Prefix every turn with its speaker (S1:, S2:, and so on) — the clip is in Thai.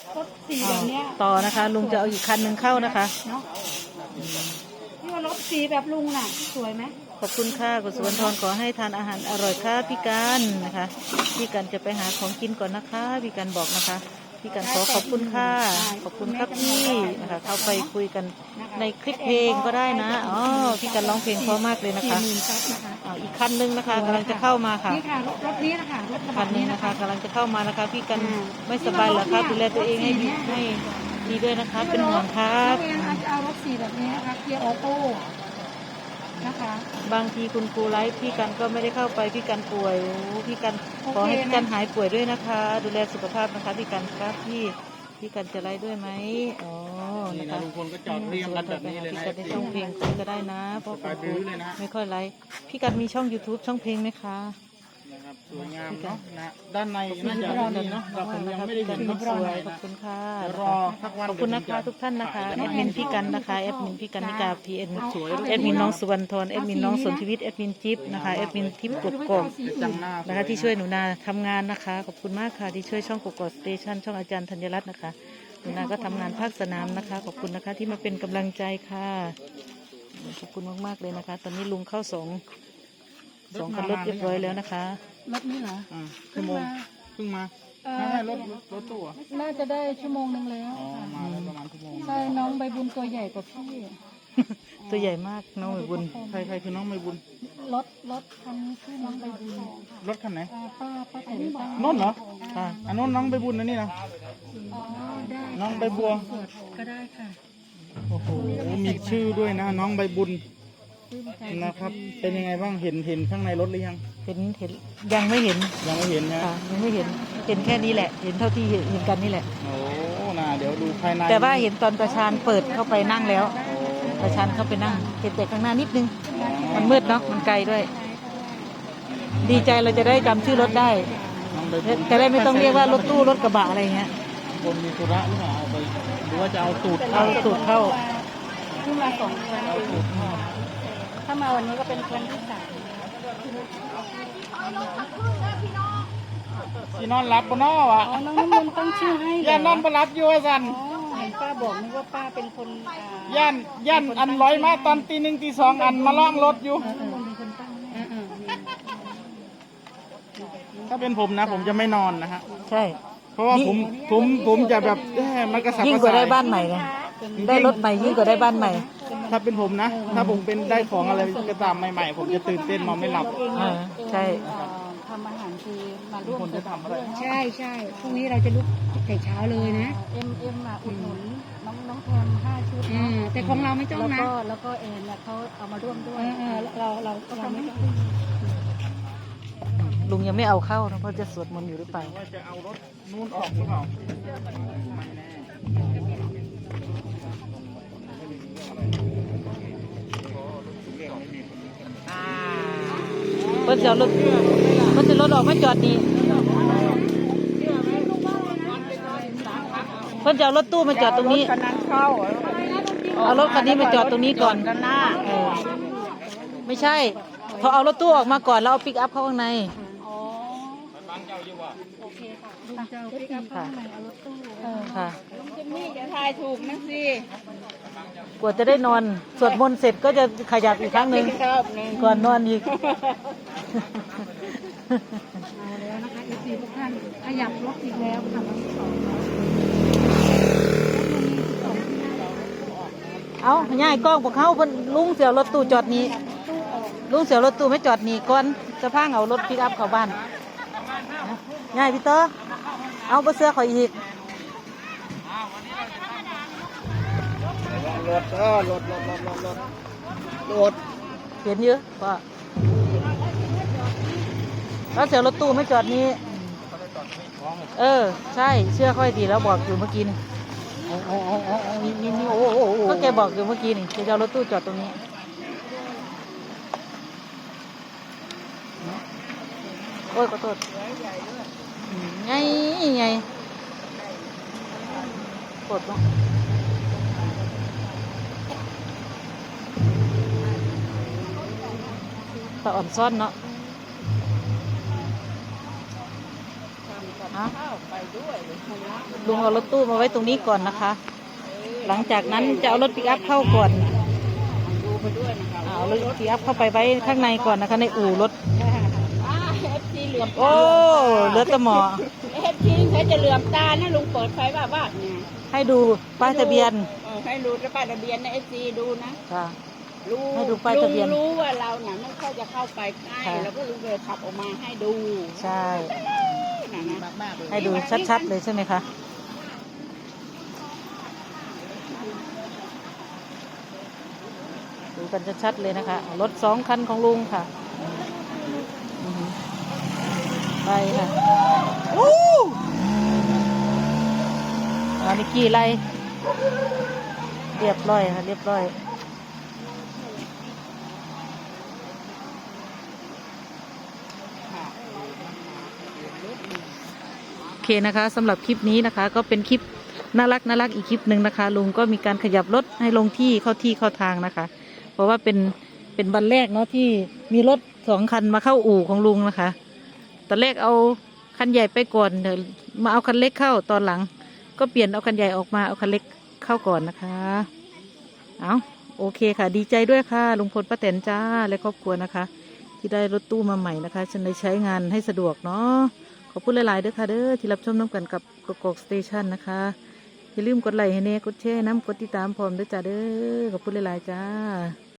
S1: รถสีแบบเนี้ย
S2: ต่อนะคะลุงจะเอาอีกคันหนึ่งเข้านะคะ
S1: เนาะที่ว่ารถสีแบบลุงน่ะสวยไหม
S2: ขอบคุณค่ะคุณสุวรรณทรขอให้ทานอาหารอร่อยค่ะพี่กันนะคะพี่กันจะไปหาของกินก่อนนะคะพี่กันบอกนะคะพี่กันขอขอบคุณค่ะขอบคุณครับพี่นะคะเข้าไปคุยกันในคลิปเพลงก็ได้นะอ๋อพี่กันร้องเพลงเพราะมากเลยนะคะอีกคันนึงนะคะกำลังจะเข้ามาค่ะ
S1: นี่ค่ะรถนี้นะคะรถกระ
S2: คั
S1: บะ
S2: นนี้
S1: นี้
S2: นะ
S1: นะคะ คะ
S2: กำลังจะเข้ามานะคะพี่กันไม่สบายเหรอครับดูแลตัวเองให้ดีด้วยนะคะเป็นห่วงครับ
S1: เองอาจจะเอารถสีแบบนี้นะคะเกียร์ออโต้นะคะ
S2: บางทีคุณครูไลฟ์พี่กันก็ไม่ได้เข้าไปพี่กันป่วยโอ้พี่กันขอให้พี่กันหายป่วยด้วยนะคะดูแลสุขภาพนะคะพี่กันครับพี่กันจะไลฟ์ด้วยไหมอ๋อนะคะ
S3: ลุงพลก็จอดเรียงกันแบบนี้เลยนะ
S2: พี่กันในช่องเพลงก็ได้นะเพราะคุณครูไม่ค่อยไลฟ์พี่กันมีช่อง YouTube ช่องเพลงไหมคะ
S3: นะครับสวยงามเนาะนะด้านในน่าจะดีเนาะเราผมยังไม่ได้เห็น
S2: สวยขอบคุณค่ะ
S3: รอสักวัน
S2: ขอบคุณนะคะทุกท่านนะคะแอดมินพี่กันนะคะแอดมินพี่กันนิกาพีเอ็นแอดมินน้องสุวรรณทรแอดมินน้องสนชีวิตแอดมินจิ๊บนะคะแอดมินทิพย์กบกอกนะคะที่ช่วยหนูนาทำงานนะคะขอบคุณมากค่ะที่ช่วยช่องกบกอกสเตชันช่องอาจารย์ธัญรัตน์นะคะหนูนาก็ทำงานภาคสนามนะคะขอบคุณนะคะที่มาเป็นกำลังใจค่ะขอบคุณมากๆเลยนะคะ ตอนนี้ลุงเข้าสองคันรถเรียบร้อยแล้วนะคะ
S1: รถนี้เหรอ
S3: ชั่วโมงเพิ่งมาไม่รถตู้
S1: น่าจะได้ชั่วโมงนึงแล้ว
S3: มาแล้วประมาณชั่วโมง
S1: ใช่น้องใบบุญตัวใหญ่กว่าพี่
S2: ตัวใหญ่มากน้องใบบุญ
S3: ใครคือน้องใบบุญ
S1: รถคันชื่อน้องใบบุญ
S3: รถคันไหน
S1: ป้าแต่งตั้ง
S3: น้นเหรออันน้นน้องใบบุญนะนี่นะน้องใบบัว
S1: ก็ได้ค่ะ
S3: โอ้โหมีชื่อด้วยนะน้องใบบุญนะครับเป็นยังไงบ้างเห็นข้างในรถหรือยัง
S2: เห็นยังไม่เห็น
S3: นะยังไม่เห็น
S2: แค่นี้แหละเห็นเท่าที่เห็นกันนี่แหละ
S3: โอ้น่าเดี๋ยวดูภายใน
S2: แต่ว่าเห็นตอนตาชานเปิดเข้าไปนั่งแล้วตาชานเข้าไปนั่งเห็นแต่ข้างหน้านิดนึงมันมืดเนาะมันไกลด้วยดีใจเราจะได้จำชื่อรถได้จะได้ไม่ต้องเรียกว่ารถตู้รถกระบะอะไรเงี้ย
S3: คนมีธุระหรือเปล่าเอาไปหรือว่าจะเอาตูด
S2: เข้า
S1: ขึ้นมา2 คนถ้ามาวันนี้ก็เป็นคนที่3
S3: ที่นอนรับปนอวะ
S1: น้องน้ำมนต์ตั้งชื่อให้
S3: ย่านนอนปรับอยู่สัน
S1: เห็นป้าบอกนึกว่าป้าเป็นคน
S3: ย่านอันร้อยมาตอนตี 1 ตี 2อันมาล่องรถอยู่ถ้าเป็นผมนะผมจะไม่นอนนะฮะ
S2: ใช่
S3: เพราะว่าผมจะแบบมันกระสับกระส่าย
S2: ยิ่งกว่าได้บ้านใหม่ไงได้รถใหม่ยิ่งกว่าได้บ้านใหม่
S3: ถ้าเป็นผมนะถ้าผมเป็นได้ของอะไรก็ตามใหม่ๆผมจะตื่นเต้นนอนไม่หลับ
S2: ใช่
S1: ทำอาหารคือมาร่วมจะทำอะไรใช่พรุ่งนี้เราจะลุกแต่เช้าเลยนะเอ็มอุดหนุนน้องแพม5 ชุดแต่ของเราไม่ต้องนะแล้วก็เอ็นเขาเอามาร่วมด้วยเราไม่ต้อง
S2: ลุงยังไม่เอาเข้านะเพราะจะสวดมนต์อยู่หรือเปล่า
S3: ว่าจะเอารถนู่นออกหรือเปล่า
S2: เพิ่นจะรถออกมาจอดนี่เพิ่นจะรถตู้มาจอดตรงนี้เอารถคันนี้มาจอดตรงนี้ก่อนไม่ใช่พอเอารถตู้ออกมาก่อนแล้วเอาปิกอัพเข้าข้างใน
S1: โอเคค่ะลุงจะปิกอัพเข้าข้างในเอารถตู้
S2: ค่ะ
S1: ลุงจะมีจะทายถูกนะสิ
S2: กว่าจะได้นอนสวดมนต์เสร็จก็จะขยับอีกครั้งหนึ่งก่อนนอนอีก
S1: เอาแล้วนะคะFCทุกท่านขยับรถอีกแล้วค่ะ
S2: เอาง่ายกล้องพวกเขาเพิ่นลุงเสียวรถตู้จอดนี้ลุงเสียวรถตู้ไม่จอดนี่ก่อนจะพาเอารถปิกอัพเข้าบ้านง่ายพี่เต๋อเอาไปเสื้อข่อยอีก
S3: รถ
S2: เห็นเยอะป่ะแล้วเสียวรถตู้ไม่จอดนี้ใช่เชื่อค่อยดีแล้วบอกอยู่เมื่อกี้นี่ก็แกบอกอยู่เมื่อกี้นี่จะเอารถตู้จอดตรงนี้โอ้ยขอโทษไงปวดเนาะตาอ่อนซ่อนเนาะลุงเอารถตู้มาไว้ตรงนี้ก่อนนะคะ หลังจากนั้นจะเอารถปิกอัพเข้าก่อนเอารถปิกอัพเข้าไปไว้ข้างในก่อนนะคะ ในอู่รถ
S1: FC เหลื่อม
S2: โอ้เลือดตะหมอ
S1: FC เขาจะเหลื่อมตานะลุงเปิดไฟบ้าเนี่ย
S2: ให้ดูป้ายทะเบียน
S1: ให้รู้ป้ายทะเบียนนะ FC ดูนะ
S2: ค่ะ
S1: รู้
S2: ให้ดูป้ายทะเบียน
S1: รู้ว่าเราเนี่ยไม่ค่อยจะเข้าไปใกล้
S2: ค่ะ
S1: แล้วก็ลุงเลยขับออกมาให้ดู
S2: ใช่
S1: นะนะ
S2: ให้ดูชัดๆเลยใช่ไหมคะดูกันชัดๆเลยนะคะรถ2 คันของลุงค่ะอือหือไปค่ะนิกกี้ไล่เรียบร้อยค่ะเรียบร้อยโอเคนะคะสำหรับคลิปนี้นะคะ ก็เป็นคลิปน่ารักอีกคลิปหนึ่งนะคะ ลุงก็มีการขยับรถให้ลงที่เข้าทางนะคะ เพราะว่าเป็นวันแรกเนาะที่มีรถ2 คันมาเข้าอู่ของลุงนะคะตอนแรกเอาคันใหญ่ไปก่อนเดี๋ยวมาเอาคันเล็กเข้าตอนหลัง ก็เปลี่ยนเอาคันใหญ่ออกมาเอาคันเล็กเข้าก่อนนะคะเอาโอเคค่ะดีใจด้วยค่ะลุงพลป้าแตนจ้าและครอบครัวนะคะ ที่ได้รถตู้มาใหม่นะคะฉันได้ใช้งานให้สะดวกเนาะขอบคุณหลายๆด้วยค่ะเด้อที่รับชมน้ำกันกับกกอกสเตชันนะคะอย่าลืมกดไลค์ให้แน่กดแชร์น้ำกดติดตามพร้อมด้วยจ้าเด้อขอบคุณหลายๆจ้า